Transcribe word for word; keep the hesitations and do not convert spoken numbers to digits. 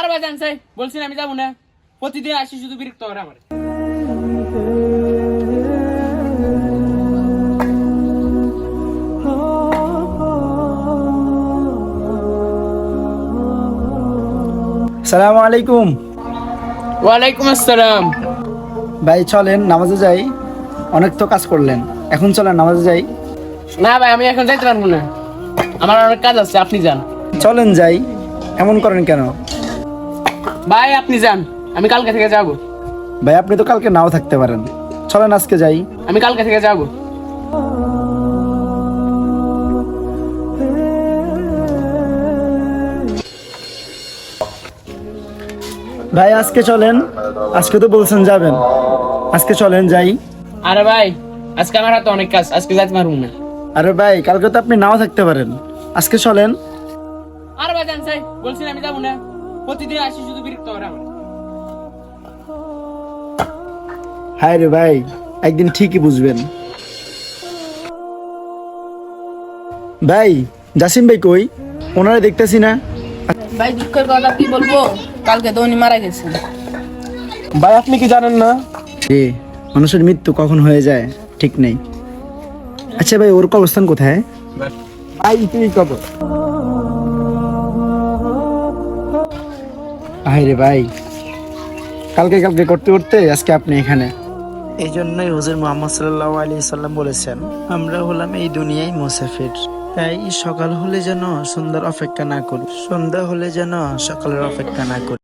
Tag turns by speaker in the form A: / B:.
A: ভাই জানছে বলছি না আমি যাবো না, প্রতিদিন আসি শুধু বিরক্ত করে আমার।
B: সালাম আলাইকুম।
A: ওয়ালাইকুম আসসালাম।
B: ভাই চলেন নামাজে যাই, অনেক তো কাজ করলেন, এখন চলেন নামাজে যাই।
A: না ভাই আমি এখন যাইতে পারবো না, আমার অনেক কাজ আছে, আপনি যান।
B: চলেন যাই, এমন করেন কেন?
A: ভাই আপনি যান, আমি কালকে থেকে যাবো।
B: ভাই আপনি তো কালকে নাও থাকতে পারেন, চলেন আজকে যাই।
A: আমি কালকে থেকে যাবো।
B: ভাই আজকে চলেন, আজকে তো বলছেন যাবেন, আজকে চলেন যাই।
A: আরে ভাই আজকে আমার হাতে অনেক কাজ, আজকে যাইতে পারবো না।
B: আরে ভাই কালকে তো আপনি নাও থাকতে পারেন, আজকে চলেন।
A: আরে ভাই জানছে বলছি না আমি যাবো না, প্রতিদিন আসি শুধু বিরক্ত করে আমার।
B: হায় রে ভাই, একদিন ঠিকই বুঝবেন। ভাই জাসিম ভাই কই? ওনারা দেখতেছি না।
C: ভাই দুঃখের কথা কি বলবো, কালকে তো উনি মারা গেছেন।
B: ভাই আপনি কি জানেন না যে মানুষের মৃত্যু কখন হয়ে যায় ঠিক নেই। আচ্ছা ভাই ওর অবস্থান কোথায়? ভাই তুই কব ভাই রে ভাই, কালকে কালকে করতে করতে আজকে আপনি এখানে। এই জন্যই হুজুর মুহাম্মদ সাল্লাল্লাহু আলাইহি সাল্লাম বলেছেন, আমরা হলাম এই দুনিয়ায় মুসাফির। তাই সকাল হলে যেন সন্ধ্যার অপেক্ষা না করি, সন্ধ্যা হলে যেন সকালের অপেক্ষা না করি।